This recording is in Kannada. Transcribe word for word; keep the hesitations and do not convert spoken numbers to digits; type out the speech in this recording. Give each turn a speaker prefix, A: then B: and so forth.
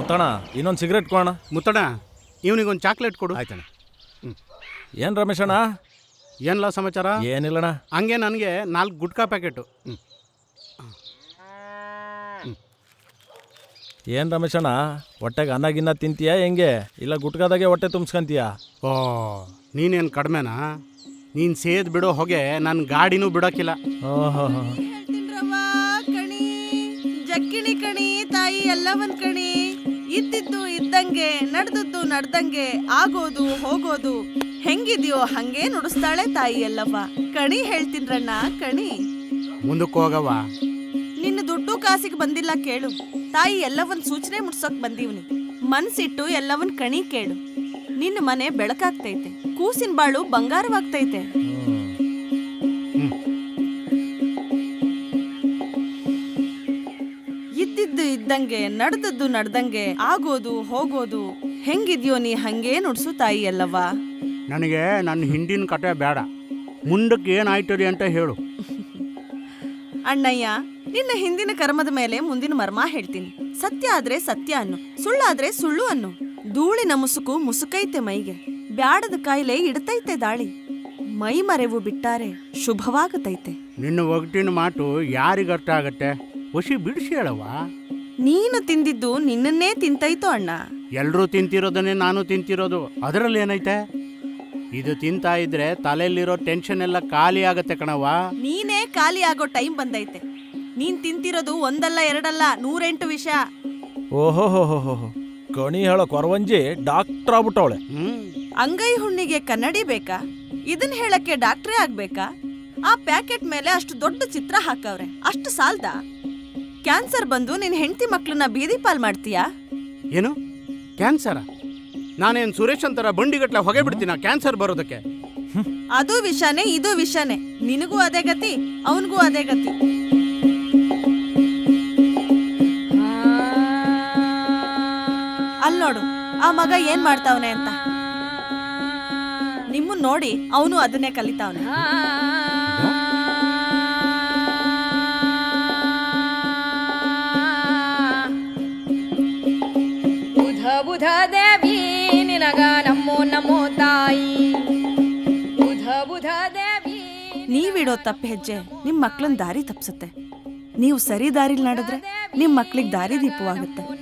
A: ಮುತ್ತಣ ಇನ್ನೊಂದು ಸಿಗರೇಟ್ ಕೊಡೋಣ.
B: ಮುತ್ತಣ ಇವನಿಗೊಂದು ಚಾಕ್ಲೇಟ್ ಕೊಡು.
A: ಆಯ್ತಣ್ಣ. ಏನು ರಮೇಶಣ್ಣ?
B: ಏನಿಲ್ಲ ಸಮಾಚಾರ?
A: ಏನಿಲ್ಲಣ್ಣ.
B: ಹಂಗೆ ನನಗೆ ನಾಲ್ಕು ಗುಟ್ಕಾ ಪ್ಯಾಕೆಟು.
A: ಏನು ರಮೇಶಣ್ಣ, ಹೊಟ್ಟೆಗೆ ಅನ್ನ ಗಿನ್ನ ತಿಂತೀಯಾ ಹೆಂಗೆ, ಇಲ್ಲ ಗುಟ್ಕಾದಾಗೆ ಹೊಟ್ಟೆ ತುಂಬಿಸ್ಕೊಂತೀಯಾ?
B: ಓ ನೀನೇನು ಕಡಿಮೆನಾ? ನೀನು ಸೇದ್ ಬಿಡೋ ಹೊಗೆ ನನ್ನ ಗಾಡಿನೂ ಬಿಡೋಕ್ಕಿಲ್ಲ.
A: ಓಹೋ
C: ಕಣಿ ಜಕ್ಕಿಣಿ ಕಣಿ ತಾಯಿ ಎಲ್ಲವನ್ ಕಣಿ. ಇದ್ದಿದ್ದು ಇದ್ದಂಗೆ, ನಡೆದದ್ದು ನಡ್ದಂಗೆ, ಆಗೋದು ಹೋಗೋದು ಹೆಂಗಿದ್ಯೋ ಹಂಗೆ ನುಡಿಸ್ತಾಳೆ ತಾಯಿ ಎಲ್ಲವ್ವ. ಕಣಿ ಹೇಳ್ತೀನ್ರಣ್ಣ ಕಣಿ.
B: ಮುಂದಕ್ಕೆ ಹೋಗವ.
C: ನಿನ್ನ ದುಡ್ಡು ಕಾಸಿಗೆ ಬಂದಿಲ್ಲ ಕೇಳು. ತಾಯಿ ಎಲ್ಲವನ್ ಸೂಚನೆ ಮುಟ್ಸೋಕ್ ಬಂದೀವ್ನಿ. ಮನ್ಸಿಟ್ಟು ಎಲ್ಲವನ್ ಕಣಿ ಕೇಳು. ನಿನ್ನ ಮನೆ ಬೆಳಕಾಗ್ತೈತೆ, ಕೂಸಿನ ಬಾಳು ಬಂಗಾರವಾಗ್ತೈತೆ. ಇದ್ದಿದ್ದು ಇದ್ದಂಗೆ, ನಡೆದದ್ದು ನಡ್ದಂಗೆ, ಆಗೋದು ಹೋಗೋದು ಹೆಂಗಿದ್ಯೋ ನೀ ಹಂಗೆ ನುಡ್ಸು ತಾಯಿ ಎಲ್ಲವ್ವ.
B: ನನಗೆ ನನ್ನ ಹಿಂದಿನ ಕತೆ ಬೇಡ, ಮುಂದಕ್ಕೆ ಏನಾಯ್ತದೆ ಅಂತ ಹೇಳು.
C: ಅಣ್ಣಯ್ಯ, ನಿನ್ನ ಹಿಂದಿನ ಕರ್ಮದ ಮೇಲೆ ಮುಂದಿನ ಮರ್ಮ ಹೇಳ್ತೀನಿ. ಸತ್ಯ ಆದ್ರೆ ಸತ್ಯ ಅನ್ನು, ಸುಳ್ಳಾದ್ರೆ ಸುಳ್ಳು ಅನ್ನು. ಧೂಳಿನ ಮುಸುಕು ಮುಸುಕೈತೆ ಮೈಗೆ, ಬ್ಯಾಡದ ಕಾಯಿಲೆ ಇಡ್ತೈತೆ ದಾಳಿ. ಮೈ ಮರೆವು ಬಿಟ್ಟಾರೆ ಶುಭವಾಗತೈತೆ.
B: ನಿನ್ನ ಒಗಟಿನ ಮಾತು ಯಾರಿಗರ್ಥ ಆಗತ್ತೆ? ಹೊಸಿ ಬಿಡಿಸಿ ಹೇಳವ.
C: ನೀನು ತಿಂದಿದ್ದು ನಿನ್ನನ್ನೇ ತಿಂತೈತೋ ಅಣ್ಣ.
B: ಎಲ್ಲರೂ ತಿಂತಿರೋದನ್ನೇ ನಾನು ತಿಂತಿರೋದು, ಅದರಲ್ಲಿ ಏನೈತೆ? ಇದು ತಿಂತಾ ಇದ್ರೆ ತಲೆಯಲ್ಲಿರೋ ಟೆನ್ಷನ್ ಎಲ್ಲ ಖಾಲಿ ಆಗತ್ತೆ ಕಣವ.
C: ನೀನೇ ಖಾಲಿ ಆಗೋ ಟೈಮ್ ಬಂದೈತೆ. ನೀನ್ ತಿಂತಿರೋದು ಒಂದಲ್ಲ ಎರಡಲ್ಲ, ನೂರೆಂಟು ವಿಷ.
A: ಓಹೋ ಹೋ ಹೋ ಹೋ ಕಣಿ ಹೇಳೋ ಕೊರವಂಜಿ ಡಾಕ್ಟರ್ ಆಗ್ಬಿಟ್ಟವಳೆ.
B: ಹ್ಮ್
C: ಅಂಗೈ ಹುಣ್ಣಿಗೆ ಕನ್ನಡಿ ಬೇಕಾ? ಇದನ್ ಹೇಳಕ್ಕೆ ಡಾಕ್ಟ್ರೇ ಆಗ್ಬೇಕಾ? ಆ ಪ್ಯಾಕೆಟ್ ಮೇಲೆ ಅಷ್ಟು ದೊಡ್ಡ ಚಿತ್ರ ಹಾಕವ್ರೆ, ಅಷ್ಟು ಸಾಲ್ದ? ಕ್ಯಾನ್ಸರ್ ಬಂದು ನಿನ್ ಹೆಂಡತಿ ಮಕ್ಳನ್ನ ಬೀದಿ ಪಾಲ್ ಮಾಡ್ತೀಯಾ?
B: ಏನು ಕ್ಯಾನ್ಸರ? ನಾನೇನು ಸುರೇಶ್ ಅಂತರ ಬಂಡಿಗಟ್ಲೆ ಹೊಗೆ ಬಿಡ್ತೀನ ಕ್ಯಾನ್ಸರ್ ಬರೋದಕ್ಕೆ?
C: ಅದು ವಿಷಾನೇ, ಇದು ವಿಷಾನೇ. ನಿನಗೂ ಅದೇ ಗತಿ, ಅವನಿಗೂ ಅದೇ ಗತಿ. ಅಲ್ ನೋಡು ಆ ಮಗ ಏನ್ ಮಾಡ್ತಾವನೆ ಅಂತ. ನಿಮ್ಮನ್ ನೋಡಿ ಅವನು ಅದನ್ನೇ ಕಲಿತಾವನೆ.
D: ಬುಧ ಬುಧ ದೇವಿ ನಿನಗ ನಮ್ಮೋ ನಮೋ ತಾಯಿ. ಬುಧ ಬುಧ ದೇವಿ.
C: ನೀವಿಡೋ ತಪ್ಪ ಹೆಜ್ಜೆ ನಿಮ್ ಮಕ್ಳನ್ ದಾರಿ ತಪ್ಸುತ್ತೆ. ನೀವು ಸರಿ ದಾರಿಲ್ ನಡೆದ್ರೆ ನಿಮ್ ಮಕ್ಳಿಗೆ ದಾರಿ ದೀಪವಾಗುತ್ತೆ.